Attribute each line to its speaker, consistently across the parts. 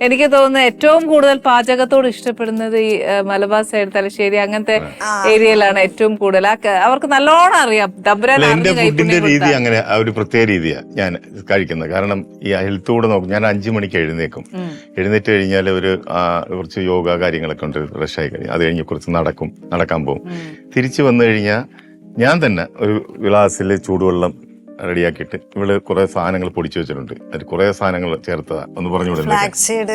Speaker 1: എനിക്ക് തോന്നുന്നു ഏറ്റവും കൂടുതൽ പാചകത്തോട് ഇഷ്ടപ്പെടുന്നത് ഈ മലബാർ സൈഡ് തലശ്ശേരി അങ്ങനത്തെ ഏരിയയിലാണ് ഏറ്റവും കൂടുതൽ. അവർക്ക് നല്ലോണം അറിയാം.
Speaker 2: എന്റെ ഫുഡിന്റെ രീതി അങ്ങനെ ഒരു പ്രത്യേക രീതിയാണ് ഞാൻ കഴിക്കുന്നത്. കാരണം ഈ ഹെൽത്ത് കൂടെ നോക്കും. ഞാൻ 5 മണിക്ക് എഴുന്നേക്കും. എഴുന്നേറ്റ് കഴിഞ്ഞാൽ കുറച്ച് യോഗ കാര്യങ്ങളൊക്കെ ഉണ്ട്. ഫ്രഷ് ആയി കഴിഞ്ഞാൽ അത് കഴിഞ്ഞ് കുറച്ച് നടക്കാൻ പോകും. തിരിച്ചു വന്നു കഴിഞ്ഞാൽ ഞാൻ തന്നെ ഒരു ഗ്ലാസ്സിൽ ചൂടുവെള്ളം റെഡിയാക്കിയിട്ട് ഇവിടെ കുറെ സാധനങ്ങൾ പൊടിച്ചു വെച്ചിട്ടുണ്ട്. അതിൽ കുറെ സാധനങ്ങൾ ചേർത്തതാ. ഒന്ന് പറഞ്ഞുകൂടെ?
Speaker 3: ഫ്ലാക്സ് സീഡ്,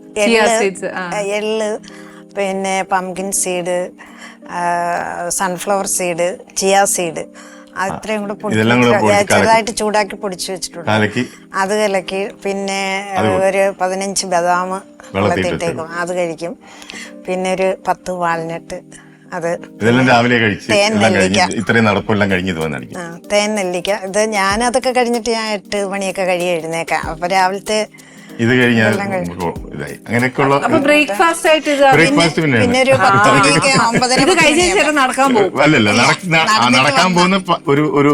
Speaker 3: എള്ള്, പിന്നെ pumpkin seed, sunflower seed, chia seed, അത്രയും കൂടെ ചെറുതായിട്ട് ചൂടാക്കി പൊടിച്ചു വെച്ചിട്ടുണ്ട്. അത് കലക്കി പിന്നെ ഒരു 15 ബദാം വെള്ളത്തിട്ടേക്കും, അത് കഴിക്കും. പിന്നെ ഒരു 10 വാൾനട്ട്. അത്
Speaker 2: ഇതെല്ലാം രാവിലെ കഴിച്ച് ഇത്രയും നടപ്പെല്ലാം കഴിഞ്ഞത് വന്നിരിക്കും.
Speaker 3: തേൻ നെല്ലിക്ക. ഇത് ഞാനതൊക്കെ കഴിഞ്ഞിട്ട് ഞാൻ 8 മണിയൊക്കെ കഴിയും എഴുന്നേക്കാം. അപ്പൊ രാവിലത്തെ
Speaker 2: ഇത് കഴിഞ്ഞാൽ അങ്ങനെയൊക്കെയുള്ള
Speaker 1: ബ്രേക്ക്ഫാസ്റ്റ് ആയിട്ട്
Speaker 3: പിന്നെ ഒരു 10 മണിയൊക്കെ 9:30
Speaker 1: നടക്കാൻ പോകും.
Speaker 2: അല്ലല്ല, നടക്കാൻ പോകുന്ന ഒരു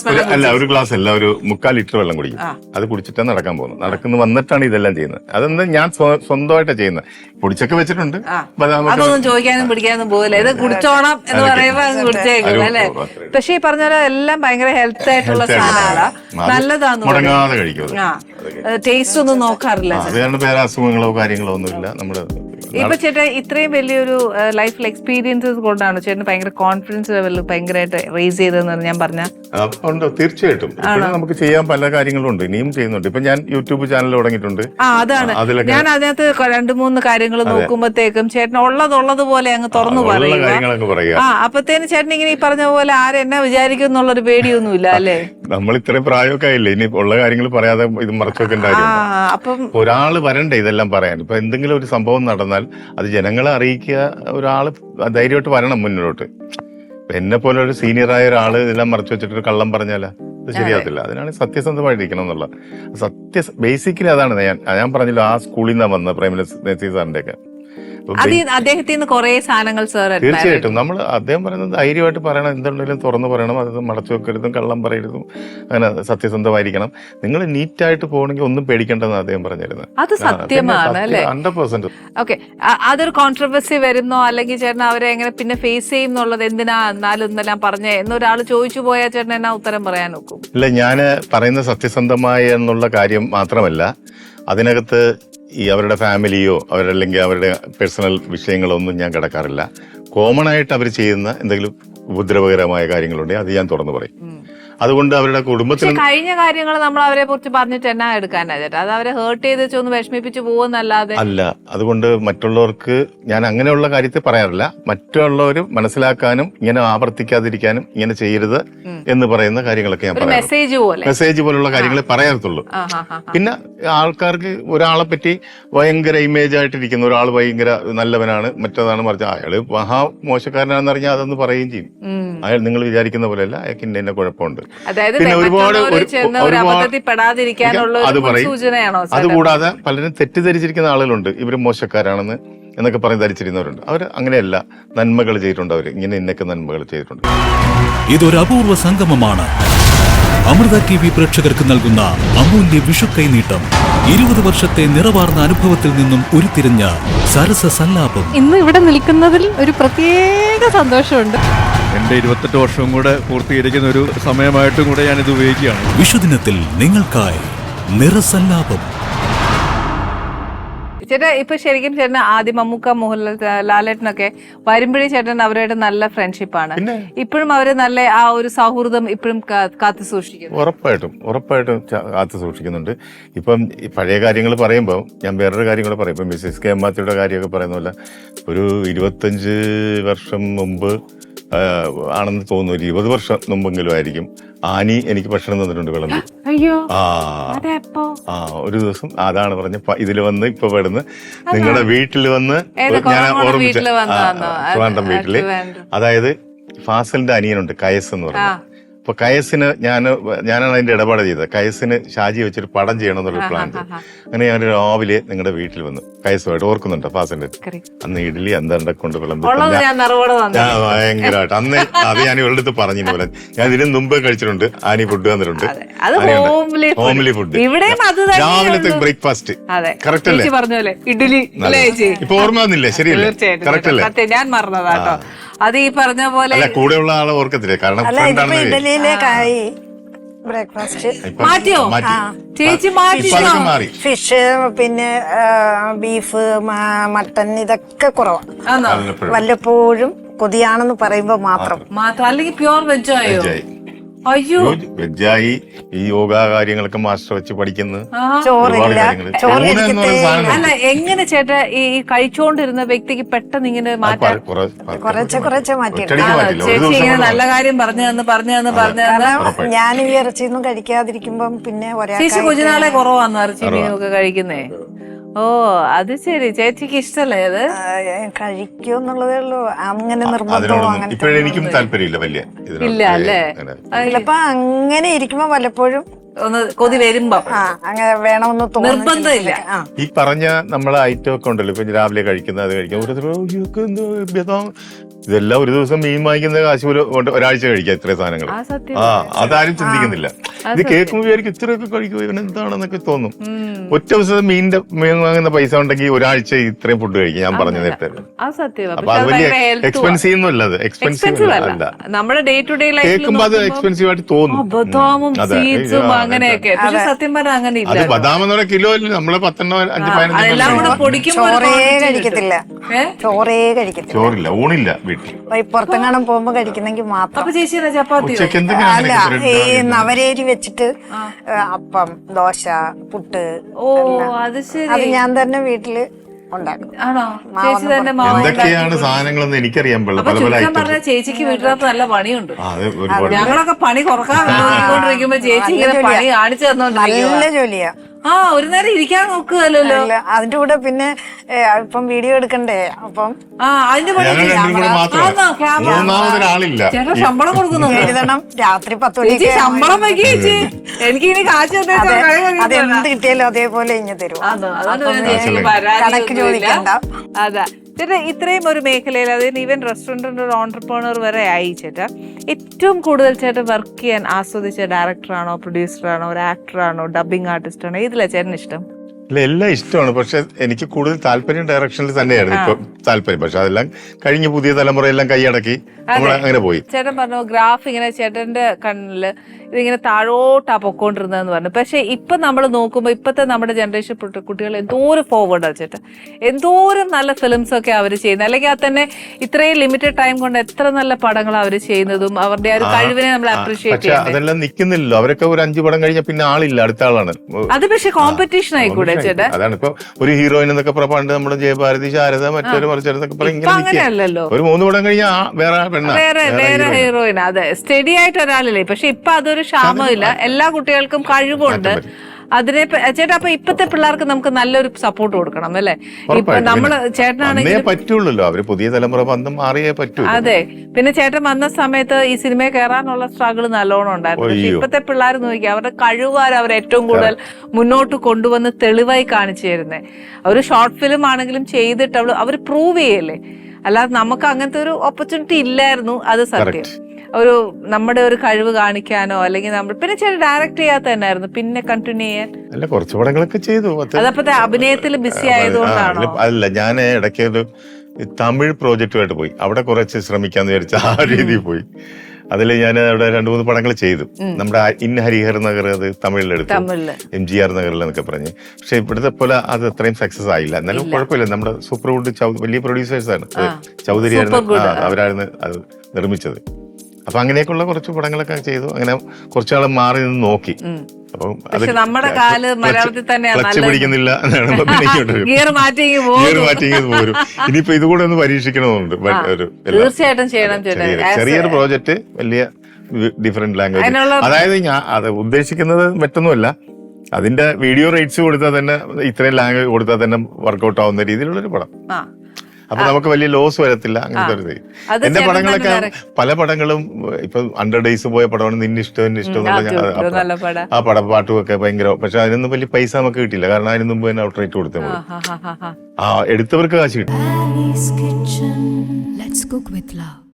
Speaker 2: ഗ്ലാസ് അല്ല, ഒരു 3/4 ലിറ്റർ വെള്ളം കുടിക്കും. അത് കുടിച്ചിട്ടാണ് നടക്കാൻ പോകുന്നത്. നടക്കുന്ന വന്നിട്ടാണ് ഇതെല്ലാം ചെയ്യുന്നത്. അതെന്താ ഞാൻ സ്വന്തമായിട്ടാണ് ചെയ്യുന്നത്. പൊടിച്ചൊക്കെ വെച്ചിട്ടുണ്ട്.
Speaker 1: അതൊന്നും ചോദിക്കാനും പിടിക്കാനും പോകില്ല. ഇത് കുടിച്ചോണം എന്ന് പറയുമ്പോ കുടിച്ചേക്കും അല്ലേ? പക്ഷെ ഈ പറഞ്ഞ പോലെ എല്ലാം ഭയങ്കര ഹെൽത്ത് ആയിട്ടുള്ള സാധനങ്ങളാ, നല്ലതാന്ന്
Speaker 2: മുടങ്ങാതെ കഴിക്കും.
Speaker 1: ടേസ്റ്റ് ഒന്നും നോക്കാറില്ല.
Speaker 2: അത് കാരണം വേറെ അസുഖങ്ങളോ കാര്യങ്ങളോ ഒന്നുമില്ല. നമ്മള്
Speaker 1: ഇപ്പൊ ചേട്ടൻ ഇത്രയും വലിയൊരു ലൈഫിൽ എക്സ്പീരിയൻസസ് കൊണ്ടാണ് ചേട്ടൻ ഭയങ്കര കോൺഫിഡൻസ് ലെവൽ ഭയങ്കരമായിട്ട് റേസ് ചെയ്തതെന്ന് ഞാൻ പറഞ്ഞ
Speaker 2: ഉണ്ട്. തീർച്ചയായിട്ടും നമുക്ക് ചെയ്യാൻ പല കാര്യങ്ങളും ഉണ്ട്. ഇനിയും ചെയ്യുന്നുണ്ട്. ഇപ്പൊ ഞാൻ യൂട്യൂബ് ചാനൽ തുടങ്ങിയിട്ടുണ്ട്.
Speaker 1: അതാണ് ഞാൻ അതിനകത്ത് 2-3 കാര്യങ്ങൾ നോക്കുമ്പോഴത്തേക്കും ചേട്ടൻ ഉള്ളതുപോലെ അങ്ങ് തുറന്നു പറയുക. അപ്പത്തേനും ചേട്ടൻ ഇങ്ങനെ ഈ പറഞ്ഞ പോലെ ആരെന്നാ വിചാരിക്കും എന്നുള്ളൊരു പേടിയൊന്നുമില്ല അല്ലേ?
Speaker 2: നമ്മൾ ഇത്രയും പ്രായമൊക്കെ ആയില്ലേ, ഇനി ഉള്ള കാര്യങ്ങൾ പറയാതെ ഇത് മറച്ചൊക്കെ
Speaker 1: അപ്പം
Speaker 2: ഒരാള് വരണ്ടേ ഇതെല്ലാം പറയാൻ. ഇപ്പൊ എന്തെങ്കിലും ഒരു സംഭവം നടന്നാൽ അത് ജനങ്ങളെ അറിയിക്കുക. ഒരാള് ധൈര്യമായിട്ട് വരണം മുന്നോട്ട്. എന്നെ പോലെ ഒരു സീനിയറായ ഒരാള് ഇതെല്ലാം മറച്ചു വെച്ചിട്ട് കള്ളം പറഞ്ഞാല അത് ശരിയാകത്തില്ല. അതിനാണ് സത്യസന്ധമായിട്ടിരിക്കണം എന്നുള്ള ബേസിക്കലി അതാണ്. ഞാൻ പറഞ്ഞില്ല, ആ സ്കൂളിൽ നിന്നാണ് വന്നത്, പ്രൈം മിനിസ്റ്റർ നസീർ സാറിന്റെ ഒക്കെ.
Speaker 1: അദ്ദേഹത്തിന് കുറെ സാധനങ്ങൾ
Speaker 2: തീർച്ചയായിട്ടും നമ്മൾ അദ്ദേഹം പറയുന്നത് ധൈര്യമായിട്ട് പറയണം. എന്തുണ്ടെങ്കിലും തുറന്നു പറയണം. അത് മടച്ചു വെക്കരുതും കള്ളം പറയരുതും. അങ്ങനെ സത്യസന്ധമായിരിക്കണം. നിങ്ങൾ നീറ്റായിട്ട് പോകണമെങ്കിൽ ഒന്നും പേടിക്കേണ്ടെന്ന് അദ്ദേഹം പറഞ്ഞിരുന്നത്.
Speaker 1: അത് സത്യമാണ് അല്ലേ?
Speaker 2: 100%.
Speaker 1: ഓക്കെ, അതൊരു കോൺട്രവേഴ്സി വരുന്നോ അല്ലെങ്കിൽ ചേട്ടൻ അവരെ എങ്ങനെ പിന്നെ ഫേസ് ചെയ്യും എന്നുള്ളത് എന്തിനാ എന്നാലും ഇന്നെല്ലാം പറഞ്ഞേ എന്നൊരാൾ ചോദിച്ചു പോയാൽ ചേട്ടൻ എന്നാ ഉത്തരം പറയാൻ നോക്കും?
Speaker 2: ഇല്ല, ഞാൻ പറയുന്ന സത്യസന്ധമായ എന്നുള്ള കാര്യം മാത്രമല്ല, അതിനകത്ത് ഈ അവരുടെ ഫാമിലിയോ അവരല്ലെങ്കിൽ അവരുടെ പേഴ്സണൽ വിഷയങ്ങളോ ഒന്നും ഞാൻ കിടക്കാറില്ല. കോമൺ ആയിട്ട് അവർ ചെയ്യുന്ന എന്തെങ്കിലും ഉപദ്രവകരമായ കാര്യങ്ങളുണ്ടെങ്കിൽ അത് ഞാൻ തുറന്നു പറയും. അതുകൊണ്ട് അവരുടെ കുടുംബത്തിൽ
Speaker 1: കഴിഞ്ഞ കാര്യങ്ങൾ നമ്മൾ അവരെ കുറിച്ച് പറഞ്ഞിട്ട് എന്നാ എടുക്കാനാ ചേട്ടാ? അത് അവരെ ഹേർട്ട് ചെയ്ത് ഒന്ന് വിഷമിപ്പിച്ച് പോകുന്നല്ലാതെ
Speaker 2: അല്ല. അതുകൊണ്ട് മറ്റുള്ളവർക്ക് ഞാൻ അങ്ങനെയുള്ള കാര്യത്തിൽ പറയാറില്ല. മറ്റുള്ളവർ മനസ്സിലാക്കാനും ഇങ്ങനെ ആവർത്തിക്കാതിരിക്കാനും ഇങ്ങനെ ചെയ്യരുത് എന്ന് പറയുന്ന കാര്യങ്ങളൊക്കെ ഞാൻ പറയാം. മെസ്സേജ് പോലുള്ള കാര്യങ്ങളെ പറയാത്തുള്ളൂ. പിന്നെ ആൾക്കാർക്ക് ഒരാളെ പറ്റി ഭയങ്കര ഇമേജ് ആയിട്ടിരിക്കുന്ന ഒരാൾ ഭയങ്കര നല്ലവനാണ് മറ്റേതാണ് മറിച്ച് അയാള് മഹാ മോശക്കാരനാണെന്ന് അറിഞ്ഞാൽ അതൊന്നും പറയുകയും ചെയ്യും. അയാൾ നിങ്ങൾ വിചാരിക്കുന്ന പോലെയല്ല, അയാൾക്ക് ഇന്ന കുഴപ്പമുണ്ട്. പിന്നെ ഒരുപാട് അത് പറയും. അതുകൂടാതെ പലരും തെറ്റിദ്ധരിച്ചിരിക്കുന്ന ആളുകളുണ്ട്, ഇവര് മോശക്കാരാണെന്ന് എന്നൊക്കെ പറഞ്ഞ് ധരിച്ചിരുന്നവരുണ്ട്. അവർ അങ്ങനെയല്ല, നന്മകൾ ചെയ്തിട്ടുണ്ട്. അവർ ഇങ്ങനെ ഇന്നൊക്കെ നന്മകൾ ചെയ്തിട്ടുണ്ട്.
Speaker 4: ഇതൊരു അപൂർവ സംഗമമാണ്. അമൃത TV പ്രേക്ഷകർക്ക് നൽകുന്ന അമൂല്യ വിഷു കൈനീട്ടം. 20 വർഷത്തെ നിറവാർന്ന അനുഭവത്തിൽ നിന്നും ഉരുത്തിരിഞ്ഞ സരസ സല്ലാപം.
Speaker 5: ഇന്ന് ഇവിടെ നിൽക്കുന്നതിൽ ഒരു പ്രത്യേക സന്തോഷമുണ്ട്.
Speaker 6: എന്റെ 28 വർഷവും കൂടെ പൂർത്തീകരിക്കുന്ന ഒരു സമയമായിട്ടും കൂടെ ഞാൻ ഇത് ഉപയോഗിക്കുകയാണ്.
Speaker 4: വിഷുദിനത്തിൽ നിങ്ങൾക്കായി നിറസല്ലാപം.
Speaker 1: ചേട്ടാ ഇപ്പൊ ശരിക്കും ചേട്ടൻ ആദ്യം മമ്മൂക്ക, മോഹൻലാൽ, ലാലേട്ടനൊക്കെ വരുമ്പോഴേ ചേട്ടൻ അവരായിട്ട് നല്ല ഫ്രണ്ട്ഷിപ്പാണ്. ഇപ്പോഴും അവര് നല്ല ആ ഒരു സൗഹൃദം ഇപ്പോഴും കാത്തു സൂക്ഷിക്കുന്നു.
Speaker 2: ഉറപ്പായിട്ടും കാത്തു സൂക്ഷിക്കുന്നുണ്ട്. ഇപ്പം പഴയ കാര്യങ്ങൾ പറയുമ്പോൾ ഞാൻ വേറൊരു കാര്യം കൂടെ പറയും. ഇപ്പം മിസ്സസ് കെ മാത്യുയുടെ കാര്യമൊക്കെ പറയുന്ന പോലെ ഒരു 25 വർഷം മുമ്പ് ആണെന്ന് തോന്നുന്നു, 20 വർഷം മുമ്പെങ്കിലും ആയിരിക്കും, ആനി എനിക്ക് ഭക്ഷണം തന്നിട്ടുണ്ട് വിളമ്പി. ഒരു ദിവസം അതാണ് പറഞ്ഞ ഇതിൽ വന്ന് ഇപ്പൊ പെടുന്ന് നിങ്ങളുടെ വീട്ടിൽ വന്ന് ഞാൻ ഓർമ്മിച്ച ട്രിവാൻഡ്രം വീട്ടില്. അതായത് ഫാസലിന്റെ അനിയനുണ്ട് കയസ് എന്ന് പറഞ്ഞ, ഇപ്പൊ കയസിന് ഞാനാണ് അതിന്റെ ഇടപാട് ചെയ്തത്. കയസിന് ഷാജി വെച്ചൊരു പടം ചെയ്യണമെന്നുള്ള പ്ലാൻ ചെയ്തു. അങ്ങനെ ഞാൻ രാവിലെ നിങ്ങളുടെ വീട്ടിൽ വന്നു, കയസുമായിട്ട് ഓർക്കുന്നുണ്ട് ഫാസിന്റെ. അന്ന് ഇഡ്ഡലി എന്താ കൊണ്ട് വിളമ്പി ഭയങ്കരമായിട്ട് അന്ന് അത് ഞാൻ ഇവളുടെ അടുത്ത് പറഞ്ഞു പോലെ ഞാൻ ഇതിന് മുമ്പ് കഴിച്ചിട്ടുണ്ട്. ആനി ഫുഡ് തന്നിട്ടുണ്ട്, ഹോംലി ഫുഡ്, രാവിലത്തെ ബ്രേക്ക്ഫാസ്റ്റ്. കറക്റ്റ് അല്ലേ? ഇപ്പൊ ഓർമ്മ വന്നില്ലേ? ശരിയല്ലേ? കറക്റ്റ് അല്ലേ?
Speaker 1: ഞാൻ മറന്നതാട്ടോ അത്. ഈ പറഞ്ഞ പോലെ
Speaker 2: കൂടെയുള്ള ആളെ ഓർക്കത്തില്ലേ? കാരണം
Speaker 3: ഇഡലിയിലേക്കായി ബ്രേക്ക്ഫാസ്റ്റ്
Speaker 1: മാറ്റിയോ ചേച്ചി?
Speaker 2: മാറി.
Speaker 3: ഫിഷ്, പിന്നെ ബീഫ്, മട്ടൻ ഇതൊക്കെ കുറവാണ്. വല്ലപ്പോഴും കൊതിയാണെന്ന് പറയുമ്പോ മാത്രം.
Speaker 1: അല്ലെങ്കിൽ പ്യുവർ വെജ് ആയോ? അയ്യോ,
Speaker 2: വെജായി. ഈ യോഗ കാര്യങ്ങളൊക്കെ മാസ്റ്റർ വെച്ച് പഠിക്കുന്നത്.
Speaker 1: അല്ല, എങ്ങനെ ചേട്ടാ ഈ കഴിച്ചോണ്ടിരുന്ന വ്യക്തിക്ക് പെട്ടെന്ന് ഇങ്ങനെ മാറ്റാൻ?
Speaker 3: കുറച്ച് മാറ്റി.
Speaker 1: ചേച്ചി ഇങ്ങനെ നല്ല കാര്യം പറഞ്ഞു
Speaker 3: ഞാൻ ഈ ഇറച്ചിയൊന്നും കഴിക്കാതിരിക്കുമ്പം പിന്നെ
Speaker 1: ചേച്ചി കുഞ്ഞുനാളെ കുറവാന്ന് ഇറച്ചി മീനൊക്കെ കഴിക്കുന്നേ. ഓ, അത് ശരി. ചേച്ചിക്ക് ഇഷ്ടല്ലേ അത്?
Speaker 3: കഴിക്കൂന്നുള്ളതേ ഉള്ളൂ. അങ്ങനെ നിർബന്ധമോ അങ്ങനെ
Speaker 2: എനിക്കും താല്പര്യമില്ല വലിയ.
Speaker 1: ഇല്ല അല്ലേ?
Speaker 3: ചിലപ്പോ അങ്ങനെ ഇരിക്കുമ്പോ വല്ലപ്പോഴും
Speaker 1: ഒന്ന് കൊതി വരുമ്പോ
Speaker 3: അങ്ങനെ വേണമെന്ന്
Speaker 1: നിർബന്ധമില്ല.
Speaker 2: ഈ പറഞ്ഞ നമ്മളെ ഐറ്റം ഒക്കെ ഉണ്ടല്ലോ, ഇപ്പൊ രാവിലെ കഴിക്കുന്ന അത് കഴിക്കാം. ഇതെല്ലാം ഒരു ദിവസം മീൻ വാങ്ങിക്കുന്ന കാശ് ഒരാഴ്ച കഴിക്കാം ഇത്രയും സാധനങ്ങൾ. അതാരും ചിന്തിക്കുന്നില്ല. ഇത് കേൾക്കുമ്പോൾ വിചാരിക്കും ഇത്രയൊക്കെ കഴിക്കുമോ ഇവൻ എന്താണെന്നൊക്കെ തോന്നും. ഒറ്റ ദിവസം മീൻ വാങ്ങുന്ന പൈസ ഉണ്ടെങ്കിൽ ഒരാഴ്ച ഇത്രയും ഫുഡ് കഴിക്കും. ഞാൻ പറഞ്ഞ നേരത്തെ. അപ്പൊ അത് വലിയ എക്സ്പെൻസീവ് ഒന്നും അല്ല. അത് എക്സ്പെൻസീവ് അല്ല.
Speaker 1: നമ്മുടെ ഡേ ടു ഡേ
Speaker 2: കേൾക്കുമ്പോ അത് എക്സ്പെൻസീവ് ആയിട്ട് തോന്നും.
Speaker 1: അങ്ങനെയൊക്കെ. പക്ഷെ സത്യം പറഞ്ഞാൽ അങ്ങനെ
Speaker 2: അത് ബദാം എന്ന് പറഞ്ഞ കിലോ നമ്മളെ 10-15 ചോറില്ല, ഊണില്ല വീട്ടിൽ.
Speaker 3: പുറത്തെങ്ങാനും പോകുമ്പോ കഴിക്കുന്നെങ്കിൽ മാത്രം.
Speaker 1: ചപ്പാത്തി
Speaker 3: അല്ല, ഈ നവരേരി വെച്ചിട്ട് അപ്പം, ദോശ, പുട്ട്.
Speaker 1: അത് ശരി.
Speaker 3: അത് ഞാൻ തന്നെ വീട്ടില് ഉണ്ടാക്കും.
Speaker 2: എന്തൊക്കെയാണ് സാധനങ്ങളെന്ന് എനിക്കറിയാൻ പാടില്ല.
Speaker 1: ചേച്ചിക്ക് വീട്ടിനകത്ത് നല്ല പണിയുണ്ട്. ഞങ്ങളൊക്കെ പണി കുറക്കാണ്ടിരിക്കുമ്പോ ചേച്ചി ഇങ്ങനെ പണി കാണിച്ചു തന്നോണ്ടിരിക്കും.
Speaker 3: നല്ല ജോലിയാ.
Speaker 1: ഒരു നേരം ഇരിക്കാൻ നോക്കുകയല്ലോ.
Speaker 3: അതിന്റെ കൂടെ പിന്നെ ഇപ്പം വീഡിയോ എടുക്കണ്ടേ, അപ്പം
Speaker 1: അതിന്റെ ചേട്ടാ ശമ്പളം കൊടുക്കുന്നു.
Speaker 3: എഴുതണം. രാത്രി 10 മണിക്ക്
Speaker 1: ശമ്പളം വയ്ക്കുക ചേച്ചി. എനിക്ക് ഇനി കാശ്
Speaker 3: അതെന്ത് കിട്ടിയാലും അതേപോലെ ഇഞ്ഞ് തരും. കണക്ക് ചോദിക്കണ്ട.
Speaker 1: അതാ ചേട്ടാ, ഇത്രയും ഒരു മേഖലയിൽ, അതായത് ഈവൻ റെസ്റ്റോറൻറ്റിന്റെ ഒരു ഓൺടർപ്രണർ വരെ ആയി ചേട്ടാ, ഏറ്റവും കൂടുതൽ ചേട്ടൻ വർക്ക് ചെയ്യാൻ ആസ്വദിച്ച ഡയറക്ടറാണോ, പ്രൊഡ്യൂസറാണോ, ഒരു ആക്ടറാണോ, ഡബിങ് ആർട്ടിസ്റ്റ് ആണോ? ഇതിലാ ചേട്ടന് ഇഷ്ടം?
Speaker 2: ഇല്ല, എല്ലാം ഇഷ്ടമാണ്. പക്ഷെ എനിക്ക് കൂടുതൽ താല്പര്യം ഡയറക്ഷനിൽ തന്നെയായിരുന്നു ഇപ്പൊ താല്പര്യം. പക്ഷെ അതെല്ലാം കഴിഞ്ഞ് പുതിയ തലമുറയെല്ലാം കൈയടക്കി നമ്മൾ അങ്ങനെ പോയി.
Speaker 1: ചേട്ടൻ പറഞ്ഞു ഗ്രാഫ് ഇങ്ങനെ ചേട്ടന്റെ കണ്ണില് ഇതിങ്ങനെ താഴോട്ടാ പൊക്കോണ്ടിരുന്നതെന്ന് പറഞ്ഞു. പക്ഷെ ഇപ്പൊ നമ്മൾ നോക്കുമ്പോ ഇപ്പത്തെ നമ്മുടെ ജനറേഷൻ കുട്ടികൾ എന്തോരം ഫോർവേഡാണ് ചേട്ടാ. എന്തോരം നല്ല ഫിലിംസ് ഒക്കെ അവര് ചെയ്യുന്നത്. അല്ലെങ്കിൽ അത് തന്നെ ഇത്രയും ലിമിറ്റഡ് ടൈം കൊണ്ട് എത്ര നല്ല പടങ്ങൾ അവര് ചെയ്യുന്നതും അവരുടെ ആ ഒരു കഴിവിനെ നമ്മൾ അപ്രീഷിയേറ്റ് ചെയ്യുന്നത്.
Speaker 2: അതെല്ലാം നിൽക്കുന്നില്ലല്ലോ. അവരൊക്കെ ഒരു 5 പടം കഴിഞ്ഞാൽ പിന്നെ ആളില്ല, അടുത്ത ആളാണ്.
Speaker 1: അത് പക്ഷെ കോമ്പറ്റീഷൻ ആയിക്കൂടെ ചേട്ടാ?
Speaker 2: അതാണ് ഇപ്പൊ ഒരു ഹീറോയിൻ എന്നൊക്കെ പണ്ട് നമ്മുടെ ജയഭാരതി, ശാരദ, മറ്റൊരു മറിച്ചെടുത്തൊക്കെ
Speaker 1: അങ്ങനെയല്ലല്ലോ.
Speaker 2: ഒരു 3 പടം കഴിഞ്ഞാൽ
Speaker 1: വേറെ ഹീറോയിൻ. അതെ, സ്റ്റഡി ആയിട്ട് ഒരാളില്ലേ. പക്ഷെ ഇപ്പൊ അതൊരു ക്ഷാമമില്ല. എല്ലാ കുട്ടികൾക്കും കഴിവുണ്ട്. അതിനെ ചേട്ടാ, അപ്പൊ ഇപ്പത്തെ പിള്ളേർക്ക് നമുക്ക് നല്ലൊരു സപ്പോർട്ട് കൊടുക്കണം അല്ലേ? ഇപ്പൊ നമ്മള് ചേട്ടനാണെങ്കിൽ
Speaker 2: പറ്റുള്ളൂ, അവര് പുതിയ തലമുറ മാറിയേ പറ്റൂ.
Speaker 1: അതെ. പിന്നെ ചേട്ടൻ വന്ന സമയത്ത് ഈ സിനിമയിൽ കയറാനുള്ള സ്ട്രഗിൾ നല്ലോണം ഉണ്ടായിരുന്നു. പക്ഷെ ഇപ്പത്തെ പിള്ളേർ നോക്കിയാൽ അവരുടെ കഴിവുകാർ അവർ ഏറ്റവും കൂടുതൽ മുന്നോട്ട് കൊണ്ടുവന്ന് തെളിവായി കാണിച്ചു തരുന്നേ. ഒരു ഷോർട്ട് ഫിലിം ആണെങ്കിലും ചെയ്തിട്ട് അവർ പ്രൂവ് ചെയ്യല്ലേ. അല്ലാതെ നമുക്ക് അങ്ങനത്തെ ഒരു ഓപ്പർച്യൂണിറ്റി ഇല്ലായിരുന്നു. അത് സത്യം. ഒരു നമ്മുടെ ഒരു കഴിവ് കാണിക്കാനോ അല്ലെങ്കിൽ നമ്മൾ പിന്നെ ചില ഡയറക്ട് ചെയ്യാത്ത തന്നെയായിരുന്നു പിന്നെ കണ്ടിന്യൂ ചെയ്യാൻ.
Speaker 2: അല്ല, കുറച്ച് പടങ്ങളൊക്കെ ചെയ്തു.
Speaker 1: അതപ്പോ അഭിനയത്തിൽ ബിസി ആയതുകൊണ്ടാണോ?
Speaker 2: അല്ല, ഞാൻ ഇടയ്ക്ക് ഒരു തമിഴ് പ്രോജക്റ്റുമായിട്ട് പോയി. അവിടെ കുറച്ച് ശ്രമിക്കാന്ന് വിചാരിച്ച ആ രീതിയിൽ പോയി. അതിൽ ഞാൻ അവിടെ 2-3 പടങ്ങൾ ചെയ്തു. നമ്മുടെ ഇൻ ഹരിഹർ നഗർ അത് തമിഴിലെടുത്തു, MGR നഗറിൽ എന്നൊക്കെ പറഞ്ഞ്. പക്ഷെ ഇവിടുത്തെ പോലെ അത് അത്രയും സക്സസ് ആയില്ല. എന്നാലും കുഴപ്പമില്ല. നമ്മുടെ സൂപ്പർവുഡ് വലിയ പ്രൊഡ്യൂസേഴ്സ് ആണ്, ചൗധരി ആയിരുന്നു, അവരായിരുന്നു അത് നിർമ്മിച്ചത്. അപ്പൊ അങ്ങനെയൊക്കെയുള്ള കുറച്ച് പടങ്ങളൊക്കെ ചെയ്തു. അങ്ങനെ കുറച്ചാളെ മാറി നിന്ന് നോക്കി. അപ്പം അത്
Speaker 1: നമ്മുടെ കാല് മലയാളത്തിൽ
Speaker 2: ക്ലച്ച് പിടിക്കുന്നില്ല,
Speaker 1: ഗിയർ മാറ്റി
Speaker 2: പോരും. ഇനിയിപ്പോ ഇതുകൂടെ ഒന്ന് പരീക്ഷിക്കണമെന്നുണ്ട്.
Speaker 1: തീർച്ചയായിട്ടും ചെയ്യണം.
Speaker 2: ചെറിയൊരു പ്രോജക്റ്റ്, വലിയ ഡിഫറെന്റ് ലാംഗ്വേജ്. അതായത് ഞാൻ അത് ഉദ്ദേശിക്കുന്നത് മറ്റൊന്നുമല്ല, അതിന്റെ വീഡിയോ റൈറ്റ്സ് കൊടുത്താൽ തന്നെ, ഇത്രയും ലാംഗ്വേജ് കൊടുത്താൽ തന്നെ വർക്ക്ഔട്ട് ആവുന്ന രീതിയിലുള്ളൊരു പടം. അപ്പൊ നമുക്ക് വലിയ ലോസ് വരത്തില്ല അങ്ങനത്തെ ഒരു ഇത്.
Speaker 1: അത്
Speaker 2: എന്റെ
Speaker 1: ചേട്ടൻ
Speaker 2: പടങ്ങളൊക്കെ
Speaker 1: തന്നെ
Speaker 2: പല പടങ്ങളും ഇപ്പൊ 100 ഡേയ്സ് പോയ പടമാണ് നിന്നെ ഇഷ്ടം എന്നുള്ള
Speaker 1: നല്ല പടം.
Speaker 2: ആ പടം പാട്ടും ഒക്കെ ഭയങ്കര, പക്ഷെ അതിനൊന്നും വലിയ പൈസ നമുക്ക് കിട്ടിയില്ല, കാരണം അതിന് മുമ്പ് തന്നെ ഔട്ട്റേറ്റ് കൊടുത്തേ മതി. ആ എടുത്തവർക്ക് കാശ് കിട്ടും.
Speaker 7: Ali's Kitchen. Let's cook with love.